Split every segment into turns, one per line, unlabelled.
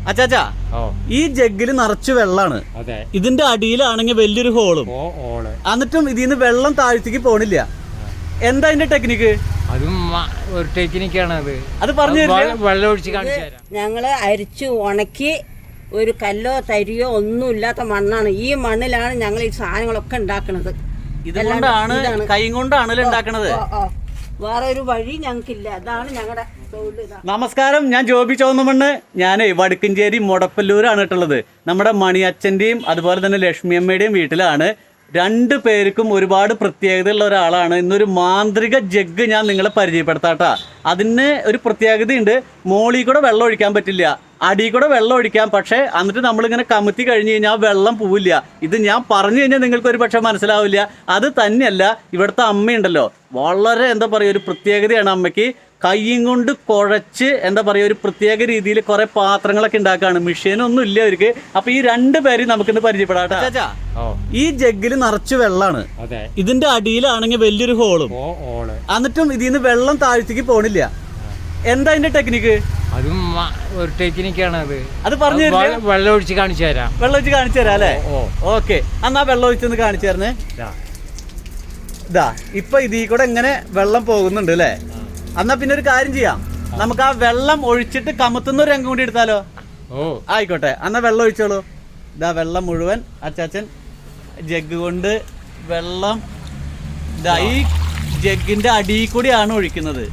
അച്ചാച്ചാ ഈ ജഗ്ഗില് നിറച്ച് വെള്ളാണ്. ഇതിന്റെ അടിയിലാണെങ്കിൽ വലിയൊരു ഹോളും, എന്നിട്ടും ഇതിന്ന് വെള്ളം താഴ്ത്തേക്ക് പോണില്ല. എന്താ അതിന്റെ ടെക്നിക്ക്?
അതും ഒരു ടെക്നിക്കാണ്.
അത് പറഞ്ഞു
വെള്ളം ഒഴിച്ച് കാണിച്ചു തരാം.
ഞങ്ങള് അരിച്ചു ഉണക്കി ഒരു കല്ലോ തരിയോ ഒന്നും ഇല്ലാത്ത മണ്ണാണ്. ഈ മണ്ണിലാണ് ഞങ്ങൾ ഈ സാധനങ്ങളൊക്കെ ഉണ്ടാക്കുന്നത്.
ഇതുകൊണ്ടാണ്, കൈ കൊണ്ടാണല്ലോ ഉണ്ടാക്കണത്.
വേറെ ഒരു വഴി ഞങ്ങൾക്കില്ല. അതാണ് ഞങ്ങളുടെ തൊഴിൽ.
നമസ്കാരം, ഞാൻ ജോബി ചോന്നമണ്ണ്. ഞാൻ വടക്കഞ്ചേരി മുടപ്പല്ലൂരാണ് കേട്ടുള്ളത്. നമ്മുടെ മണിയച്ഛൻ്റെയും അതുപോലെ തന്നെ ലക്ഷ്മി അമ്മയുടെയും വീട്ടിലാണ്. രണ്ടു പേർക്കും ഒരുപാട് പ്രത്യേകതയുള്ള ഒരാളാണ്. ഇന്നൊരു മാന്ത്രിക ജഗ് ഞാൻ നിങ്ങളെ പരിചയപ്പെടുത്താട്ടാ. അതിന് ഒരു പ്രത്യേകതയുണ്ട്. മോളിൽ കൂടെ വെള്ളം ഒഴിക്കാൻ പറ്റില്ല, അടിയിൽ കൂടെ വെള്ളം ഒഴിക്കാം. പക്ഷേ എന്നിട്ട് നമ്മളിങ്ങനെ കമത്തി കഴിഞ്ഞ് കഴിഞ്ഞാൽ വെള്ളം പോവില്ല. ഇത് ഞാൻ പറഞ്ഞു കഴിഞ്ഞാൽ നിങ്ങൾക്ക് ഒരു പക്ഷേ മനസ്സിലാവില്ല. അത് തന്നെയല്ല, ഇവിടുത്തെ അമ്മയുണ്ടല്ലോ, വളരെ എന്താ പറയുക, ഒരു പ്രത്യേകതയാണ് അമ്മയ്ക്ക്. കയ്യും കൊണ്ട് കുഴച്ച് എന്താ പറയുക, ഒരു പ്രത്യേക രീതിയിൽ കുറെ പാത്രങ്ങളൊക്കെ ഉണ്ടാക്കുകയാണ്. മെഷീനൊന്നും ഇല്ല അവർക്ക്. അപ്പൊ ഈ രണ്ടുപേരും നമുക്കിന്ന് പരിചയപ്പെടാട്ടാ. ഈ ജഗ്ഗില് നിറച്ച് വെള്ളാണ്. ഇതിന്റെ അടിയിലാണെങ്കിൽ വലിയൊരു ഹോളും, എന്നിട്ടും ഇതിന്ന് വെള്ളം താഴ്ത്തേക്ക് പോണില്ല. എന്താ അതിന്റെ ടെക്നിക്ക്?
അതും ഒരു ടെക്നിക്കാണ്.
അത് പറഞ്ഞു
വെള്ളം ഒഴിച്ച് കാണിച്ചു തരാം.
വെള്ളം ഒഴിച്ച് കാണിച്ചു തരാം അല്ലേ? ഓക്കെ, എന്നാ വെള്ളം ഒഴിച്ചൊന്ന് കാണിച്ചു തരണേ. ഇതാ ഇപ്പൊ ഇതിൽ കൂടെ ഇങ്ങനെ വെള്ളം പോകുന്നുണ്ട് അല്ലേ? എന്നാ പിന്നെ ഒരു കാര്യം ചെയ്യാം, നമുക്ക് ആ വെള്ളം ഒഴിച്ചിട്ട് കമത്തുന്ന ഒരു രംഗം കൂടി എടുത്താലോ? ആയിക്കോട്ടെ, എന്നാ വെള്ളം ഒഴിച്ചോളൂ. ഇതാ വെള്ളം മുഴുവൻ അച്ചാച്ചൻ ജഗ് കൊണ്ട് വെള്ളം ഇതാ ഈ ജഗ്ഗിന്റെ അടിയിൽ കൂടിയാണ് ഒഴിക്കുന്നത്.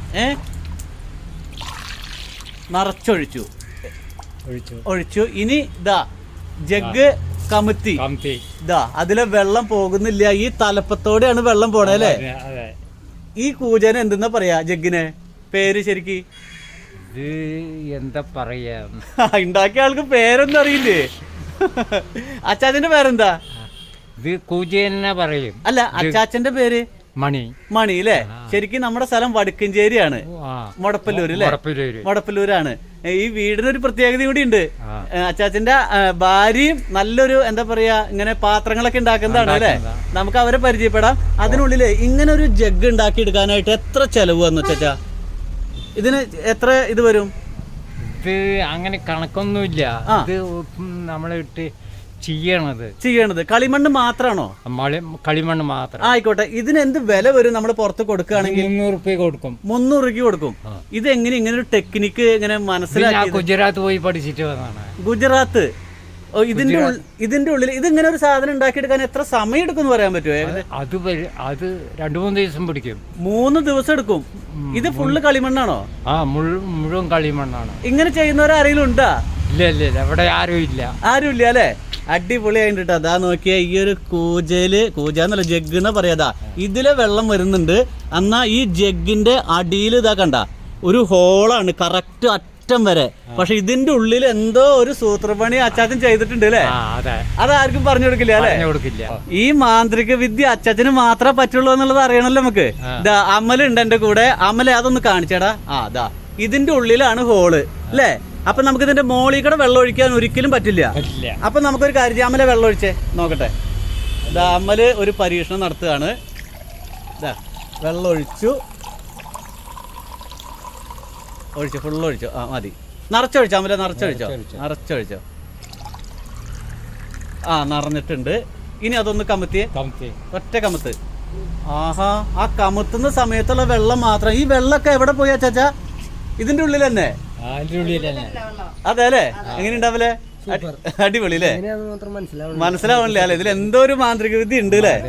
നിറച്ചൊഴിച്ചു, ഒഴിച്ചു. ഇനി ഇതാ ജഗ് കമത്തി, ഇതാ അതിലെ വെള്ളം പോകുന്നില്ല. ഈ തലപ്പത്തോടെയാണ് വെള്ളം പോണേ അല്ലേ? ഈ കൂജന് എന്തെന്നാ പറയാ ജഗ്ഗിനെ പേര് ശരിക്ക്?
എന്താ പറയാ,
ഉണ്ടാക്കിയ ആൾക്ക് പേരൊന്നും അറിയില്ലേ? അച്ചാച്ചന്റെ പേരെന്താ?
ഇത് കൂജനെ പറയും.
അല്ല, അച്ചാച്ചന്റെ പേര്
മണി.
മണി അല്ലേ? ശരിക്കും നമ്മുടെ സ്ഥലം വടക്കഞ്ചേരിയാണ്, മുടപ്പല്ലൂര് അല്ലേ? മുടപ്പല്ലൂരാണ്. ഈ വീടിനൊരു പ്രത്യേകത കൂടി ഉണ്ട്. അച്ചാച്ചന്റെ ഭാര്യയും നല്ലൊരു എന്താ പറയാ, ഇങ്ങനെ പാത്രങ്ങളൊക്കെ ഉണ്ടാക്കുന്നതാണ് അല്ലേ? നമുക്ക് അവരെ പരിചയപ്പെടാം. അതിനുള്ളില് ഇങ്ങനെ ഒരു ജഗ് ഉണ്ടാക്കി എടുക്കാനായിട്ട് എത്ര ചെലവ് വന്നു അച്ചാച്ചാ? ഇതിന് എത്ര ഇത് വരും?
ഇത് അങ്ങനെ കണക്കൊന്നുമില്ല. ഇത് നമ്മളിട്ട് ചെയ്യണത് കളിമണ്ണ് മാത്രമാണോ? കളിമണ്ണ് മാത്രം.
ആയിക്കോട്ടെ, ഇതിന് എന്ത് വില വരും നമ്മൾ പുറത്ത് കൊടുക്കുകയാണെങ്കിൽ?
300 രൂപ കൊടുക്കും.
300 രൂപ കൊടുക്കും. ഇത് എങ്ങനെ ഇങ്ങനെ ഒരു ടെക്നിക്ക് ഇങ്ങനെ മനസ്സിലാക്കി?
ഗുജറാത്ത് പോയി പഠിച്ചിട്ട് വന്നതാണ്.
ഗുജറാത്ത്. ഇതിന്റെ ഉള്ളിൽ ഇതിങ്ങനെ ഒരു സാധനം ഉണ്ടാക്കിയെടുക്കാൻ എത്ര സമയം എടുക്കും എന്ന് പറയാൻ പറ്റുമോ?
അത് 2-3 ദിവസം പിടിക്കും.
3 ദിവസം എടുക്കും. ഇത് ഫുള്ള് കളിമണ്ണാണോ?
മുഴുവൻ കളിമണ്ണാണ്.
ഇങ്ങനെ ചെയ്യുന്നവരാരെങ്കിലും ഉണ്ടാ?
ഇല്ല, ഇവിടെ ആരും
ഇല്ല അല്ലേ? അടിപൊളിയായിട്ട്. അതാ നോക്കിയാ ഈ ഒരു കൂജന്നല്ല ജഗ് എന്നാ പറയാതാ, ഇതിലെ വെള്ളം വരുന്നുണ്ട്. എന്നാ ഈ ജഗ്ഗിന്റെ അടിയിൽ ഇതാ കണ്ട ഒരു ഹോളാണ് കറക്റ്റ് അറ്റം വരെ. പക്ഷെ ഇതിന്റെ ഉള്ളിൽ എന്തോ ഒരു സൂത്രപ്പണി അച്ചാച്ചൻ ചെയ്തിട്ടുണ്ട് അല്ലേ? അതാർക്കും പറഞ്ഞു കൊടുക്കില്ല അല്ലേ? ഈ മാന്ത്രിക വിദ്യ അച്ചാച്ചന് മാത്രമേ പറ്റുള്ളൂ എന്നുള്ളത് അറിയണല്ലോ നമുക്ക്. ഇതാ അമലുണ്ട് എന്റെ കൂടെ. അമലെ അതൊന്ന് കാണിച്ചേടാ. അതാ ഇതിന്റെ ഉള്ളിലാണ് ഹോള് അല്ലേ? അപ്പൊ നമുക്ക് ഇതിന്റെ മോളിൽ കൂടെ വെള്ളം ഒഴിക്കാൻ ഒരിക്കലും പറ്റില്ല. അപ്പൊ നമുക്കൊരു കാര്യം ചെയ്യാം, അമലെ വെള്ളം ഒഴിച്ചേ നോക്കട്ടെ. ഇതാ അമല് ഒരു പരീക്ഷണം നടത്തുകയാണ്. ഇതാ വെള്ളം ഒഴിച്ചു, ഫുള്ള് ഒഴിച്ചു. മതി, നിറച്ചൊഴിച്ചോ അമല, നിറച്ചൊഴിച്ചോ. നിറഞ്ഞിട്ടുണ്ട്. ഇനി അതൊന്ന് കമത്തിയേ, ഒറ്റ കമത്ത്. ആഹാ, ആ കമത്തുന്ന സമയത്തുള്ള വെള്ളം മാത്രം. ഈ വെള്ളമൊക്കെ എവിടെ പോയി അച്ചാച്ചാ? ഇതിന്റെ ഉള്ളിൽ തന്നെ. അതെ അല്ലേ? എങ്ങനെ ഉണ്ടാവില്ലേ? അടിപൊളി അല്ലേ? മനസ്സിലാവണില്ല അല്ലെ? ഇതിൽ എന്തോ ഒരു മാന്ത്രിക വിദ്യ ഉണ്ട് അല്ലേ?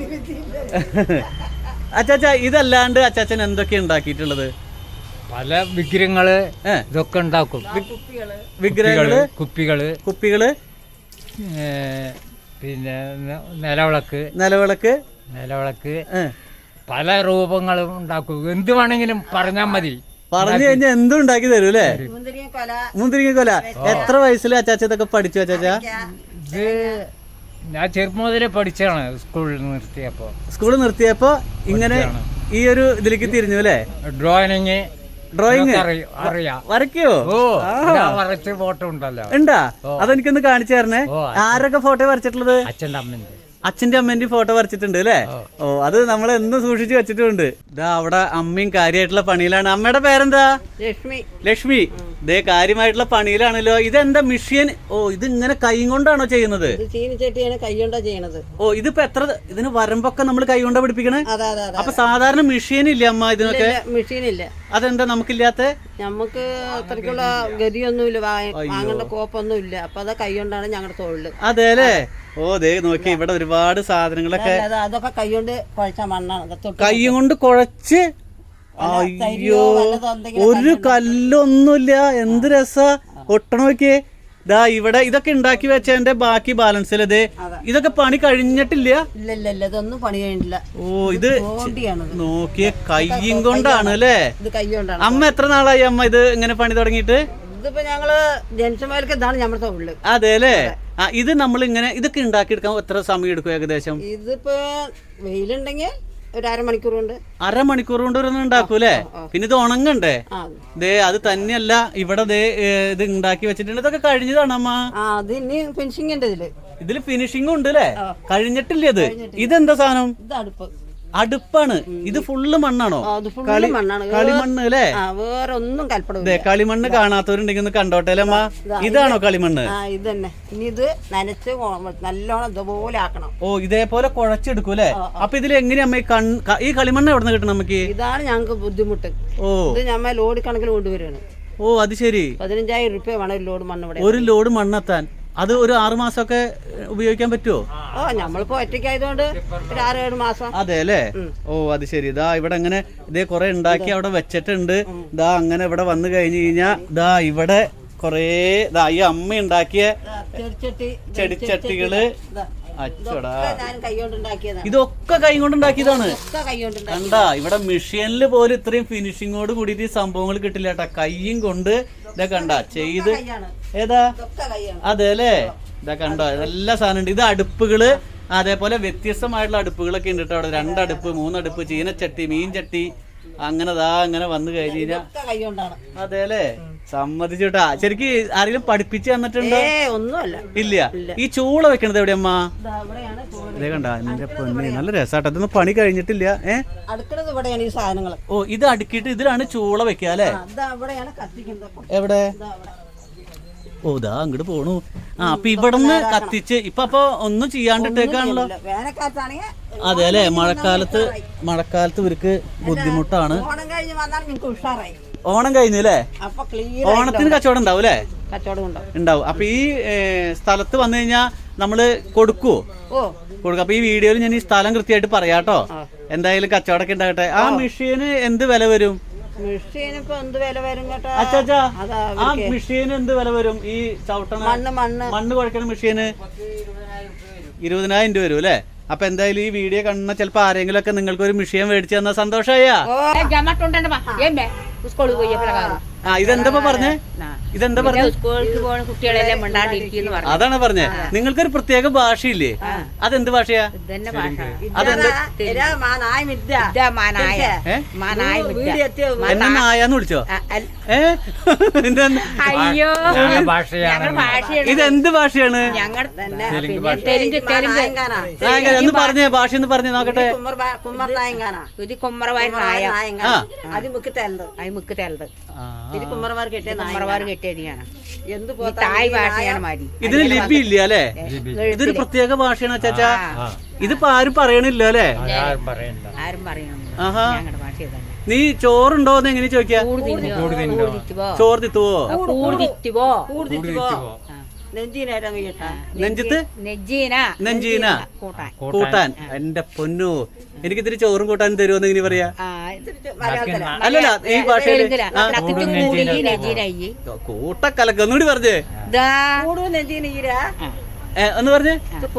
അച്ചാച്ചാ, ഇതല്ലാണ്ട് അച്ചാച്ചൻ എന്തൊക്കെയാ ഉണ്ടാക്കിയിട്ടുള്ളത്?
പല വിഗ്രഹങ്ങള് ഇതൊക്കെ ഉണ്ടാക്കും.
വിഗ്രഹങ്ങള്, കുപ്പികള്,
പിന്നെ നിലവിളക്ക് പല രൂപങ്ങളും ഉണ്ടാക്കും. എന്ത് വേണമെങ്കിലും പറഞ്ഞാൽ മതി.
പറഞ്ഞു കഴിഞ്ഞാൽ എന്തും ഉണ്ടാക്കി തരും അല്ലേ? മുന്തിരിങ്ങ. എത്ര വയസ്സിൽ അച്ചാച്ച ഇതൊക്കെ പഠിച്ചു അച്ചാച്ചാ?
ഇത് ഞാൻ ചെറുപ്പം മുതലേ പഠിച്ചാണ്. സ്കൂളിൽ നിർത്തിയപ്പോ
ഇങ്ങനെ ഈ ഒരു ഇതിലേക്ക് തിരിഞ്ഞു അല്ലേ?
ഡ്രോയിങ്
അറിയാം. വരയ്ക്കോ?
വരച്ച ഫോട്ടോ ഉണ്ടല്ലോ.
ഉണ്ടാ? അതെനിക്കൊന്ന് കാണിച്ചു തരണേ. ആരൊക്കെ ഫോട്ടോ വരച്ചിട്ടുള്ളത്?
അച്ഛൻ്റെ അമ്മന്റെ.
അച്ഛന്റെ അമ്മേന്റെയും ഫോട്ടോ വരച്ചിട്ടുണ്ട് അല്ലേ? ഓ, അത് നമ്മൾ എന്നും സൂക്ഷിച്ചു വെച്ചിട്ടുണ്ട്. ഇതാ അവിടെ അമ്മയും കാര്യമായിട്ടുള്ള പണിയിലാണ്. അമ്മയുടെ പേരെന്താ?
ലക്ഷ്മി.
ലക്ഷ്മി. ഇതേ കാര്യമായിട്ടുള്ള പണിയിലാണല്ലോ. ഇതെന്താ മെഷീൻ? ഓ, ഇത് ഇങ്ങനെ കൈ കൊണ്ടാണോ ചെയ്യുന്നത്?
ചീനിച്ചട്ടിയാണ് കൈ കൊണ്ടാ ചെയ്യണത്.
ഓ, ഇതിപ്പോ ഇതിന് വരമ്പൊക്കെ നമ്മൾ കൈ കൊണ്ടാ പിടിപ്പിക്കണേ? അപ്പൊ സാധാരണ മെഷീൻ ഇല്ല അമ്മ ഇതിനൊക്കെ?
മെഷീൻ ഇല്ല.
അതെന്താ നമുക്കില്ലാത്ത?
നമുക്ക് അത്രയ്ക്കുള്ള ഗതിയൊന്നുമില്ല, വാങ്ങേണ്ട കോപ്പൊന്നും ഇല്ല. അപ്പൊ അത് കൈ കൊണ്ടാണ് ഞങ്ങളുടെ തൊഴില്.
അതെ അല്ലേ? ഓ, ദേ നോക്കി ഇവിടെ ഒരുപാട് സാധനങ്ങളൊക്കെ.
അതൊക്കെ കൈ കൊണ്ട് കുഴച്ച മണ്ണാണ്.
കൈ കൊണ്ട് കുഴച്ച്. അയ്യോ, ഒരു കല്ലൊന്നുമില്ല. എന്ത് രസാ ഒട്ടണ നോക്കിയേ. ഇതാ ഇവിടെ ഇതൊക്കെ ഉണ്ടാക്കി വെച്ചതിന്റെ ബാക്കി ബാലൻസ് അല്ലേ? ഇതൊക്കെ പണി കഴിഞ്ഞിട്ടില്ല?
ഇല്ല, ഇതൊന്നും പണി കഴിഞ്ഞിട്ടില്ല.
ഓ, ഇത് നോക്കിയ കയ്യും കൊണ്ടാണ് അല്ലേ?
ഇത് കൈ കൊണ്ടാണ്.
അമ്മ എത്ര നാളായി അമ്മ ഇത് ഇങ്ങനെ പണി തുടങ്ങിയിട്ട്?
ഇതിപ്പോ ഞങ്ങള് ജനിച്ചമാർക്ക് ഇതാണ് നമ്മുടെ തൊഴില്.
അതെ അല്ലേ? ഇത് നമ്മൾ ഇങ്ങനെ ഇതൊക്കെ ഉണ്ടാക്കിയെടുക്കാൻ എത്ര സമയം എടുക്കും ഏകദേശം?
ഇതിപ്പോ വെയിലുണ്ടെങ്കിൽ ഒരു അരമണിക്കൂർ കൊണ്ട്.
അരമണിക്കൂർ കൊണ്ട് ഒരു ഉണ്ടാക്കൂലേ? പിന്നെ ഇത് ഉണങ്ങണ്ടേ? ദേ അത് തന്നെയല്ല ഇവിടെ ദേ ഇത് ഉണ്ടാക്കി വെച്ചിട്ടുണ്ട്. ഇതൊക്കെ കഴിഞ്ഞതാണ് അമ്മ.
അത് ഇനി ഫിനിഷിംഗ് ഉണ്ട്
ഇതില് ഫിനിഷിംഗ് ഉണ്ട് അല്ലേ? കഴിഞ്ഞിട്ടില്ല ഇത്. ഇതെന്താ സാധനം?
ഇത് അടുപ്പ്.
അടുപ്പാണ്. ഇത് ഫുള്ള് മണ്ണാണോ? കളിമണ്ണ് അല്ലേ?
വേറെ ഒന്നും കൽപ്പട.
കളിമണ്ണ് കാണാത്തവരുണ്ടെങ്കിൽ ഒന്ന് കണ്ടോട്ടെ അമ്മ. ഇതാണോ കളിമണ്ണ്?
ഇത് തന്നെ. ഇനി ഇത് നനച്ച് നല്ലോണം ഇതുപോലെ ആക്കണം.
ഓ, ഇതേപോലെ കുഴച്ചെടുക്കൂല്ലേ? അപ്പൊ ഇതിൽ എങ്ങനെയാ ഈ കളിമണ്ണ് എവിടെ നിന്ന് കിട്ടണം നമുക്ക്?
ഇതാണ് ഞങ്ങൾക്ക് ബുദ്ധിമുട്ട്. ഓ, ഇത് ഞമ്മ ലോഡ് കണക്കിൽ കൊണ്ടുവരികയാണ്.
ഓ, അത് ശരി.
15,000 രൂപ വേണം ഒരു ലോഡ് മണ്ണ് ഇവിടെ.
ഒരു ലോഡ് മണ്ണെത്താൻ അത് ഒരു 6 മാസമൊക്കെ ഉപയോഗിക്കാൻ പറ്റുമോ?
ഓ, നമ്മളിപ്പോ ഒറ്റയ്ക്കായതുകൊണ്ട് ഒരു 6-7 മാസം.
അതെ അല്ലേ? ഓ, അത് ശരി. ഇതാ ഇവിടെ അങ്ങനെ ഇതേ കുറെ ഉണ്ടാക്കി അവിടെ വെച്ചിട്ടുണ്ട്. ഇതാ അങ്ങനെ ഇവിടെ വന്നു കഴിഞ്ഞു കഴിഞ്ഞാ ഇതാ ഇവിടെ കൊറേ ഈ അമ്മ ഉണ്ടാക്കിയ ചെടിച്ചട്ടികള്. അച്ചടാ, ഇതൊക്കെ കൈ കൊണ്ടുണ്ടാക്കിയതാണ്. കണ്ടാ, ഇവിടെ മെഷീനിൽ പോലും ഇത്രയും ഫിനിഷിങ്ങോട് കൂടിയിട്ട് ഈ സംഭവങ്ങൾ കിട്ടില്ല കേട്ടാ. കയ്യും കൊണ്ട് ഇതാ കണ്ട ചെയ്ത്. ഏതാ? അതെ അല്ലേ? ഇതാ കണ്ടോ, എല്ലാ സാധനം ഉണ്ട്. ഇത് അടുപ്പുകള്, അതേപോലെ വ്യത്യസ്തമായിട്ടുള്ള അടുപ്പുകളൊക്കെ ഉണ്ട് കേട്ടോ. അവിടെ 2 അടുപ്പ്, 3 അടുപ്പ്, ചീനച്ചട്ടി, മീൻ ചട്ടി, അങ്ങനെ അങ്ങനെ വന്നു കഴിഞ്ഞാ. അതെ അല്ലേ? സമ്മതിച്ചുട്ടാ. ശരിക്ക് ആരെങ്കിലും പഠിപ്പിച്ചു തന്നിട്ടുണ്ടോ?
ഒന്നുമല്ല.
ഇല്ല. ഈ ചൂള വെക്കണത് എവിടെയമ്മ? ഇതേ കണ്ട എന്റെ പൊന്നെ, നല്ല രസാട്ടോ. ഇതൊന്നും പണി കഴിഞ്ഞിട്ടില്ല.
അടുക്കണത് ഇവിടെയാണ് ഈ സാധനങ്ങൾ.
ഓ, ഇത് അടുക്കിയിട്ട് ഇതിലാണ് ചൂള വെക്കുക അല്ലേ? എവിടെ? ഓ, ഇതാ അങ്ങോട്ട് പോണു. അപ്പൊ ഇവിടുന്ന് കത്തിച്ച് ഇപ്പൊ ഒന്നും ചെയ്യാണ്ടിട്ടേക്കാണല്ലോ. അതെ അല്ലെ? മഴക്കാലത്ത് ഇവർക്ക് ബുദ്ധിമുട്ടാണ്. ഓണം കഴിഞ്ഞു അല്ലേ? ഓണത്തിന് കച്ചവടം ഉണ്ടാവും അല്ലേ? ഉണ്ടാവും. അപ്പൊ ഈ സ്ഥലത്ത് വന്നു കഴിഞ്ഞാ നമ്മള് കൊടുക്കുവോ? കൊടുക്കും. അപ്പൊ ഈ വീഡിയോയിൽ ഞാൻ ഈ സ്ഥലം കൃത്യമായിട്ട് പറയാട്ടോ. എന്തായാലും കച്ചവടമൊക്കെ ഉണ്ടാകട്ടെ. ആ മെഷീന് എന്ത് വില വരും?
മെഷീന് എന്ത് വില വരും കേട്ടോ?
അച്ചാ, ആ മെഷീന് എന്ത് വില വരും? ഈ ചവിട്ടണ മണ്ണ് കുഴക്കണ മെഷീന് 20,000 രൂപ വരും അല്ലേ? അപ്പൊ എന്തായാലും ഈ വീഡിയോ കാണുന്ന ചിലപ്പോ ആരെങ്കിലും ഒക്കെ നിങ്ങൾക്ക് ഒരു മെഷീൻ മേടിച്ചു തന്നാ സന്തോഷമായ. ഇതെന്താ പറഞ്ഞേ? ഇതെന്താ പറഞ്ഞേ? അതാണ് പറഞ്ഞേ. നിങ്ങൾക്കൊരു പ്രത്യേക ഭാഷയില്ലേ? അതെന്ത് ഭാഷയാ? എന്നെ നായാന്ന് വിളിച്ചോ? ഇതെന്ത് ഭാഷയാണ്? ഒന്ന് പറഞ്ഞേ, ഭാഷ ഒന്ന് പറഞ്ഞേ നോക്കട്ടെ. ഇതിന് ലിപി ഇല്ല അല്ലേ? ഇതൊരു പ്രത്യേക ഭാഷയാണ് അച്ചാച്ചാ. ഇതിപ്പോ ആരും പറയണില്ല അല്ലേ? ആഹാ. നീ ചോറുണ്ടോന്ന് എങ്ങനെ ചോദിക്കാ? ചോറ് തിത്തുവോ? നെഞ്ചത്ത് നെഞ്ചീന കൂട്ടാൻ. എന്റെ പൊന്നു, എനിക്ക് ഇത്തിരി ചോറും കൂട്ടാനും തരുമെന്ന് ഇങ്ങനെ പറയാ? അല്ലല്ല, ഈ ഭാഷയില് കൂട്ടക്കലക്ക് ഒന്നുകൂടി പറഞ്ഞേ. ഒന്ന് പറഞ്ഞേ.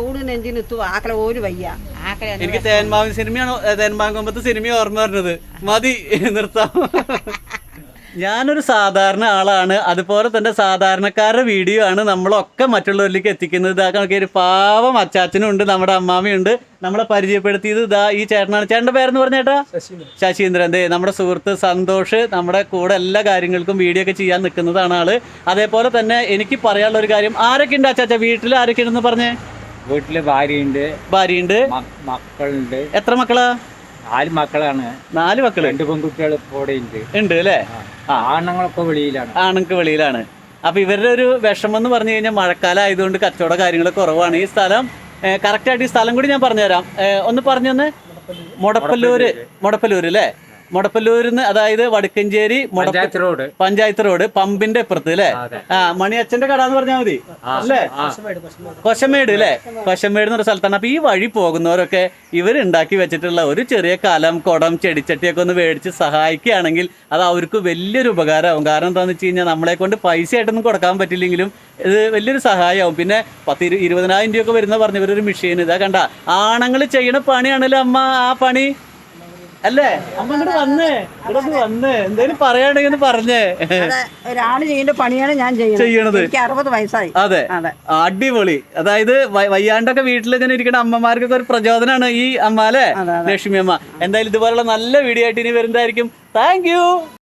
എനിക്ക് തേന്മാവിൻ സിനിമയാണോ, തേന്മാങ്കൊമ്പത്ത് സിനിമ ഓർമ്മ പറഞ്ഞത്. മതി, നിർത്താം. ഞാനൊരു സാധാരണ ആളാണ്. അതുപോലെ തന്നെ സാധാരണക്കാരുടെ വീഡിയോ ആണ് നമ്മളൊക്കെ മറ്റുള്ളവരിലേക്ക് എത്തിക്കുന്നത്. ഇതാ കണക്കൊരു പാവം അച്ചാച്ചനും ഉണ്ട്, നമ്മുടെ അമ്മാമയുണ്ട്. നമ്മളെ പരിചയപ്പെടുത്തിയത് ഇതാ ഈ ചേട്ടനാണ്. ചേട്ടൻ്റെ പേരെന്ന് പറഞ്ഞേട്ടാ? ശശീന്ദ്രൻ. നമ്മുടെ സുഹൃത്ത് സന്തോഷ് നമ്മുടെ കൂടെ എല്ലാ കാര്യങ്ങൾക്കും വീഡിയോ ഒക്കെ ചെയ്യാൻ നിൽക്കുന്നതാണ് ആള്. അതേപോലെ തന്നെ എനിക്ക് പറയാനുള്ള ഒരു കാര്യം, ആരൊക്കെ ഉണ്ട് അച്ചാച്ച വീട്ടിൽ? ആരൊക്കെ ഉണ്ടെന്ന് പറഞ്ഞേ.
വീട്ടില് ഭാര്യയുണ്ട്, മക്കളുണ്ട്.
എത്ര മക്കളാ?
4 മക്കളാണ്.
4 മക്കള്.
2 പെൺകുട്ടികൾ ഇവിടെ
ഉണ്ട് അല്ലേ?
ആണുങ്ങളൊക്കെ വെളിയിലാണ്.
ആണുങ്ങൾക്ക് വെളിയിലാണ്. അപ്പൊ ഇവരുടെ ഒരു വിഷമം എന്ന് പറഞ്ഞു കഴിഞ്ഞാൽ മഴക്കാലം ആയതുകൊണ്ട് കച്ചവട കാര്യങ്ങൾ കുറവാണ്. ഈ സ്ഥലം കറക്റ്റായിട്ട് ഈ സ്ഥലം കൂടി ഞാൻ പറഞ്ഞുതരാം. ഒന്ന് പറഞ്ഞു തന്നെ. മുടപ്പല്ലൂര് അല്ലേ? മുടപ്പല്ലൂരിന്ന്, അതായത് വടക്കഞ്ചേരി പഞ്ചായത്ത് റോഡ് പമ്പിന്റെ അപ്പുറത്ത് അല്ലേ? മണിയച്ഛന്റെ കട എന്ന് പറഞ്ഞാൽ മതി അല്ലേ? കൊശമേട് അല്ലേ? കൊശമേട് എന്ന് പറഞ്ഞ സ്ഥലത്താണ്. അപ്പൊ ഈ വഴി പോകുന്നവരൊക്കെ ഇവരുണ്ടാക്കി വെച്ചിട്ടുള്ള ഒരു ചെറിയ കലം, കുടം, ചെടിച്ചട്ടിയൊക്കെ ഒന്ന് മേടിച്ച് സഹായിക്കുകയാണെങ്കിൽ അത് അവർക്ക് വലിയൊരു ഉപകാരമാവും. കാരണം എന്താണെന്ന് വെച്ച് കഴിഞ്ഞാൽ നമ്മളെ കൊണ്ട് പൈസ ആയിട്ടൊന്നും കൊടുക്കാൻ പറ്റില്ലെങ്കിലും ഇത് വലിയൊരു സഹായമാവും. പിന്നെ 10-20,000 രൂപയൊക്കെ വരുന്ന പറഞ്ഞവരൊരു മെഷീൻ. ഇതാ കണ്ട, ആണുങ്ങൾ ചെയ്യണ പണിയാണല്ലോ അമ്മ ആ പണി അല്ലേ? അമ്മ ഇങ്ങോട്ട് വന്ന് എന്തേലും പറയാണെങ്കിൽ പറഞ്ഞേ.
ഒരാള് ചെയ്യേണ്ട പണിയാണ് ഞാൻ ചെയ്യണത്. എനിക്ക് 60 വയസ്സായി.
അതെ, അടിപൊളി. അതായത് വയ്യാണ്ടൊക്കെ വീട്ടിൽ ഇങ്ങനെ ഇരിക്കുന്ന അമ്മമാർക്കൊക്കെ ഒരു പ്രചോദനമാണ് ഈ അമ്മ അല്ലേ? ലക്ഷ്മി അമ്മ. എന്തായാലും ഇതുപോലുള്ള നല്ല വീഡിയോ ആയിട്ട് ഇനി വരുന്നതായിരിക്കും. Thank U.